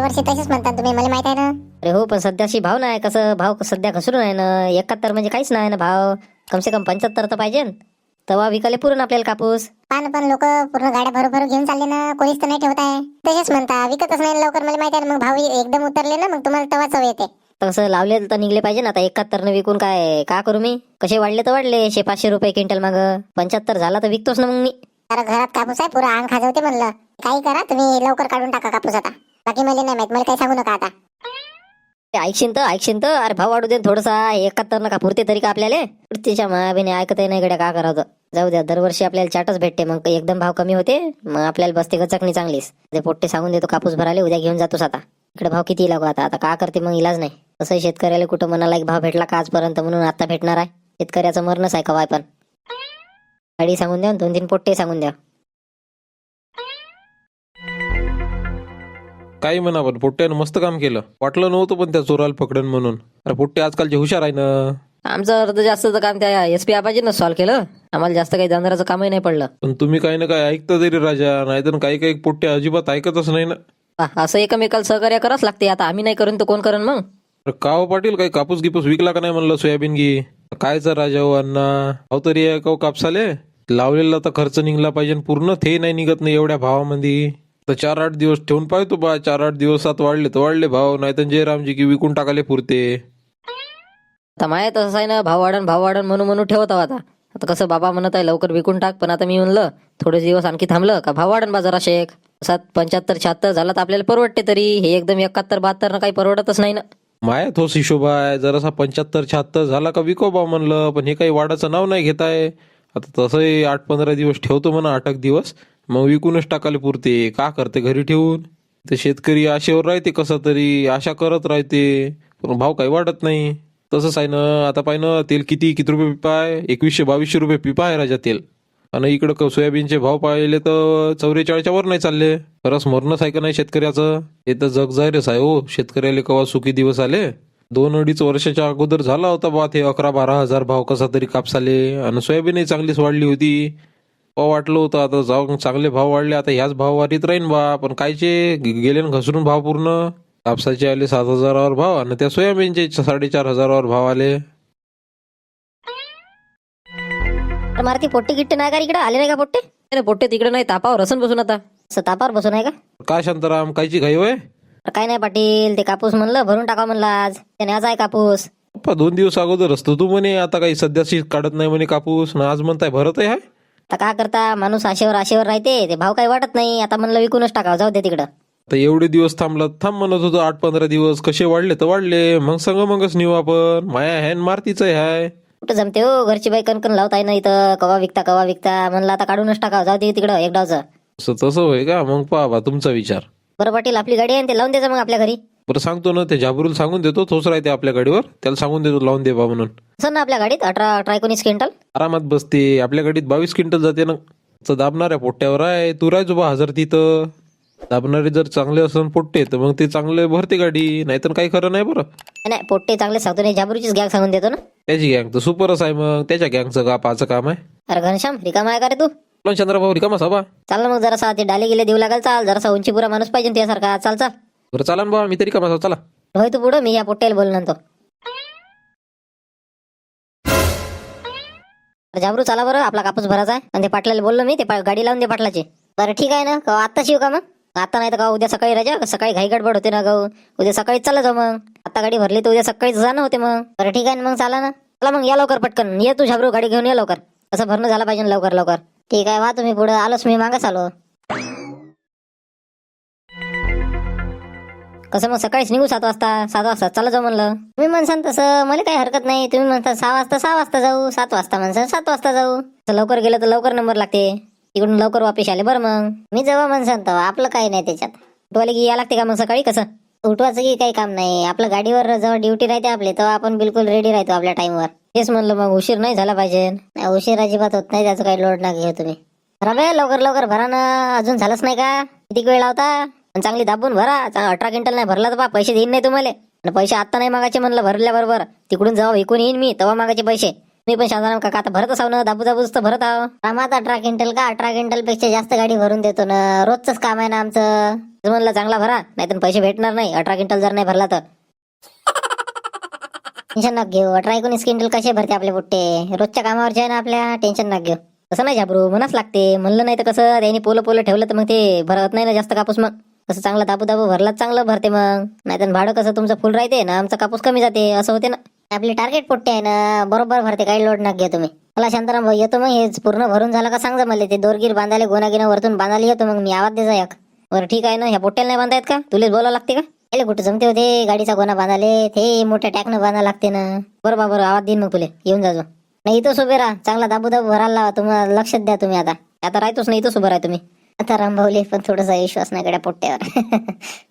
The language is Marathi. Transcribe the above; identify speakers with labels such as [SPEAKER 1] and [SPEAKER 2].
[SPEAKER 1] दरवर्षी तसेच म्हणता तुम्ही, मला माहित आहे ना.
[SPEAKER 2] अरे हो, पण सध्याशी भाव नाही. कसं भाव सध्या घसरून आहे ना. 71 म्हणजे काहीच नाही ना भाव. कमसे कम 75 तर पाहिजे तेव्हा विकायला पुरून आपल्याला कापूस.
[SPEAKER 1] पण लोक पूर्ण गाड्या भरू घेऊन चालले ना, कोणीच तर नाही ठेवत आहे. तसेच म्हणता विकतच नाही लवकर, मला माहित आहे ना. मग भाव एकदम उतरले ना, मग तुम्हाला तेव्हा चव येते.
[SPEAKER 2] तसं लावले तर निघले पाहिजे ना. आता 71 न विकून काय का करू मी. कसे वाढले तर वाढले, 500 रुपये क्विंटल माग. 75 झाला तर विकतोच ना मग मी.
[SPEAKER 1] अरे घरात कापूस आहे, पुरा अंग खाजवते म्हणलं. काही करा तुम्ही, लवकर काढून टाका कापूस आता. बाकी मला नाही माहित, मला काही सांगू नका आता.
[SPEAKER 2] ऐकशीन तर अरे भाव वाढू दे थोडासा. 71 नका पुरते तरी का आपल्याला. तिच्या मायाबीने ऐकतही नाही गड्या, का करावं. जाऊ द्या, दरवर्षी आपल्याला चाटच भेटते. मग एकदम भाव कमी होते, मग आपल्याला बसते गचकणी चांगलीच. ते पोट्टे सांगून देतो कापूस भराले, उद्या घेऊन जातोस आता. इकडे भाव किती लागू आता. आता का करते मग, इलाज नाही. तसं शेतकऱ्याला कुठं मनाला एक भाव भेटला का आजपर्यंत, म्हणून आता भेटणार आहे. शेतकऱ्याचं मरणच आहे कवाय पण. गाडी सांगून द्या, 2-3 पोट्टे सांगून द्या.
[SPEAKER 3] काही म्हणा, पण पोट्ट्यानं मस्त काम केलं. वाटलं नव्हतं पण त्या चोराला पकडन म्हणून. अरे पोट्टे आजकालचे हुशार आहे ना.
[SPEAKER 2] आमचं अर्ध जास्तचं काम त्या SP आबाजीनं सॉल्व्ह केलं. आम्हाला जास्त काही जाणाराचं कामही नाही पडलं.
[SPEAKER 3] पण तुम्ही काही ना काही ऐकता तरी राजा, नाहीतर काही काही पोट्टे अजिबात ऐकतच नाही ना.
[SPEAKER 2] असं एकमेकाला सहकार्य करावंच लागते. आता आम्ही नाही करून तर कोण करण मग.
[SPEAKER 3] अरे का हो पाटील, काही कापूस गिपूस विकला का नाही म्हणलं, सोयाबीन गी कायचा राजा हो अण्णा. अहो तरी आहे का कापसाले लावलेला तर खर्च निघला पाहिजे, पूर्ण ते नाही निघत नाही एवढ्या भावामध्ये. तर 4-8 दिवस ठेवून पाहतो बा, 4-8 दिवसात वाढले तर वाढले भाव, नाही तर जयरामजी की विकून टाकाले पुरते.
[SPEAKER 2] आता माहित तसं आहे ना, भाव वाढन म्हणून ठेवत आहोत आता. आता कसं बाबा म्हणत आहे लवकर विकून टाक, पण आता मी म्हणलं थोडे दिवस आणखी थांबलं का भाव वाढन बाजारा शेक. 75-76 झाला तर आपल्याला परवडते. तरी हे एकदम 71-72 काही परवडतच नाही ना.
[SPEAKER 3] माया तोच हिशोब आहे. जरासा 75-76 झाला का विको बा म्हणलं, पण हे काही वाढाचं नाव नाही घेत आहे. आता तसंही 8-15 दिवस ठेवतो म्हणा, 8 दिवस, मग विकूनच टाकाले पुरते. का करते घरी ठेवून. ते शेतकरी आशेवर राहते, कसं तरी आशा करत राहते, पण भाव काही वाढत नाही. तसंच आहे ना. आता पाय ना, तेल किती रुपये पिपा आहे, 2100-2200 रुपये पिपा आहे राजा तेल. आणि इकडं सोयाबीनचे भाव पाहिले तर 44च्या वर नाही चालले. खरंच मरणच आहे का नाही शेतकऱ्याचं. हे तर जग जाहीरच आहे हो. शेतकऱ्याला कवा सुखी दिवस आले. 2-2.5 वर्षाच्या अगोदर झाला होता बा ते 11-12 हजार भाव कसा तरी कापसाले. आणि सोयाबीनही चांगलीच वाढली होती. वाटलं होतं आता जाऊन चांगले भाव वाढले, आता ह्याच भाव वाढीत राहीन बा. पण कायचे गेले न घसरून भाव पूर्ण. कापसाचे आले 7,000वर भाव, आणि त्या सोयाबीनचे 4,500वर भाव आले.
[SPEAKER 2] मारती पोट्टे गिट्टे नाही का इकडे आले नाही का पोट्टे. अरे पोट्टे तिकडे नाही, तापावर रसन बसून आता. असं तापावर बसून आहे का.
[SPEAKER 3] काय शांताराम, कायची घाई होय.
[SPEAKER 2] काय नाही पाटील, ते कापूस म्हणलं भरून टाका म्हणलं आज. त्याने आज आहे कापूस.
[SPEAKER 3] 2 दिवस अगोदर असतो तू म्हणे आता काही सध्याशी काढत नाही म्हणे कापूस, ना आज म्हणताय भरत आहे.
[SPEAKER 2] आता का करता, माणूस आशेवर राहते. ते भाव काही वाटत नाही. आता म्हणलं विकूनच टाकावं, जाऊ दे तिकडं.
[SPEAKER 3] तर एवढे दिवस थांबला, थांब म्हणत होतो 8-15 दिवस. कसे वाढले तर वाढले, मग मगच नेऊ आपण. माया हॅन मारतीच आहे.
[SPEAKER 2] कुठं जमते हो, घरची बाई कणकण लावताय ना इथं. कवा विकता म्हणलं आता काढूनच टाकावं, जाऊ दे तिकडं एक डावचं.
[SPEAKER 3] असं तसं होय का. मग पहा तुमचा विचार.
[SPEAKER 2] बरं पाटील, आपली गाडी आहे ते लावून द्यायचं मग आपल्या घरी.
[SPEAKER 3] बरं सांगतो ना, ते जाबरूल सांगून देतो, तोच राहते आपल्या गाडीवर, त्याला सांगून देतो लावून दे बा म्हणून.
[SPEAKER 2] असं ना आपल्या गाडीत 18-19 क्विंटल
[SPEAKER 3] आरामात बसते. आपल्या गाडीत 22 क्विंटल जाते ना. तर दाबणाऱ्या पोट्ट्यावर आहे. तू राहायचो बा हजर तिथं. दाबणारे जर चांगले असन पोट्टे तर मग ते चांगले भरते गाडी, नाहीतर काही खरं नाही बरं.
[SPEAKER 2] नाही पोट्टे चांगले सांगतो नाही, जाबरूचीच गॅग सांगून देतो ना.
[SPEAKER 3] त्याची गँग तर सुपरच आहे. मग त्याच्या गँगचं का पाचं काम आहे.
[SPEAKER 2] अरे घनश्याम रिकामा आहे का रे तू.
[SPEAKER 3] चंद्रभाऊ रिकामा सभा.
[SPEAKER 2] चाल ना मग जरासा ते डाले गेले देऊ लागेल. चाल जरासा उंचीपुरा माणूस पाहिजे त्यासारखा. चाल.
[SPEAKER 3] बरं चाला ना बा, मी तरी कामा चला.
[SPEAKER 2] होय तू पुढं, मी या पोट्ट्याला बोलून तो. जाबरू चला बरं, आपला कापूस भरायचा आहे. आणि ते पाटलाला बोललो मी, ते गाडी लावून दे पाटलाची. बरं ठीक आहे ना. का आत्ताच येऊ का मग. आता नाही तर का उद्या सकाळी राजा, सकाळी घाई गडबड होते ना गाऊ. उद्या सकाळीच चालला जाऊ मग. आता गाडी भरली तर उद्या सकाळीच जाणं होते मग. बरं ठीक आहे ना मग, चाला ना. चला मग या लवकर पटकन. ये तू झाबरू, गाडी घेऊन ये लवकर. असं भरणं झालं पाहिजे लवकर. ठीक आहे, वा तुम्ही पुढे. आलोच मी, मागच आलो. कसं मग सकाळीच निघू 7 वाजता चला जाऊ म्हणलं. तुम्ही म्हणसान तसं मला काही हरकत नाही. तुम्ही म्हणता 6 वाजता जाऊ, 7 वाजता म्हणसान 7 वाजता जाऊ. लवकर गेलं तर लवकर नंबर लागते. तिकडून लवकर वापिस आले बरं. मग मी जेव्हा म्हणसान तेव्हा आपलं काही नाही त्याच्यात. उठवायला की या लागते का मग सकाळी. कसं उठवायचं की काही काम नाही. आपलं गाडीवर जेव्हा ड्युटी राहते आपली, तेव्हा आपण बिलकुल रेडी राहतो आपल्या टाइमवर. तेच म्हणलं मग उशीर नाही झाला पाहिजे. उशीर अजिबात होत नाही, त्याचं काही लोड ना घेऊ तुम्ही. रबे लवकर भरा ना. अजून झालंच नाही का. किती वेळ लावता. चांगली दाबून भरा. 18 क्विंटल नाही भरला तर बा पैसे देईन नाही तुम्हाला. पैसे आता नाही मागायचे म्हणलं, भरल्याबरोबर तिकडून जेव्हा विकून येईन मी तेव्हा मागायचे पैसे. मी पण शांताराम काका आता भरत असाव ना, दाबू दाबूच तर भरत आहो. आम्हाला 18 क्विंटल का 18 क्विंटल पेक्षा जास्त गाडी भरून देतो ना, रोजच काम आहे ना आमचं. म्हणलं चांगला भरा, नाही तर पैसे भेटणार नाही 18 क्विंटल जर नाही भरला तर. टेन्शन नका घेऊ, 18-19 क्विंटल कसे भरते आपले बुट्टे, रोजच्या कामावरचे आहे ना आपल्या, टेन्शन नका घेऊ. तसं नाही झाबरू, मनाच लागते म्हणलं, नाही तर कसं त्यांनी पोलं पोलं ठेवलं तर मग ते भरत नाही ना जास्त कापूस. मग कसं चांगला दाबू दाबू भरलाच चांगलं भरते मग, नाही तर भाडं कसं तुमचं फुल राहते ना, आमचा कापूस कमी जाते, असं होते ना. आपली टार्गेट पोट्टे आहे ना, बरोबर भरते, काही लोड नका घ्या तुम्ही. मला शांताराम भाऊ येतो मग, हे पूर्ण भरून झालं का सांगा मला, ते दोरगीर बांधायला गोनागिना वरतून बांधायला येतो मग मी, आवाज द्यायचा एक. बरं ठीक आहे ना, ह्या पोट्याला नाही बांधायत का, तुलेच बोलावं लागते का? त्याला कुठे जमते होते गाडीचा गोना बांधाले, ते मोठ्या टॅकनं बांधा लागते ना. बरोबर बरं, आवाज देईन मग तुले, येऊन जाजो. नाही इथंच उभे राहा, चांगला दाबू दाबू भरायला लावा, तुम्हाला लक्षात द्या तुम्ही. आता राहतोच नाही, इथंच उभं राहा तुम्ही. आता रामभाऊले पण थोडासा विश्वास नाही गड्या पोट्ट्यावर.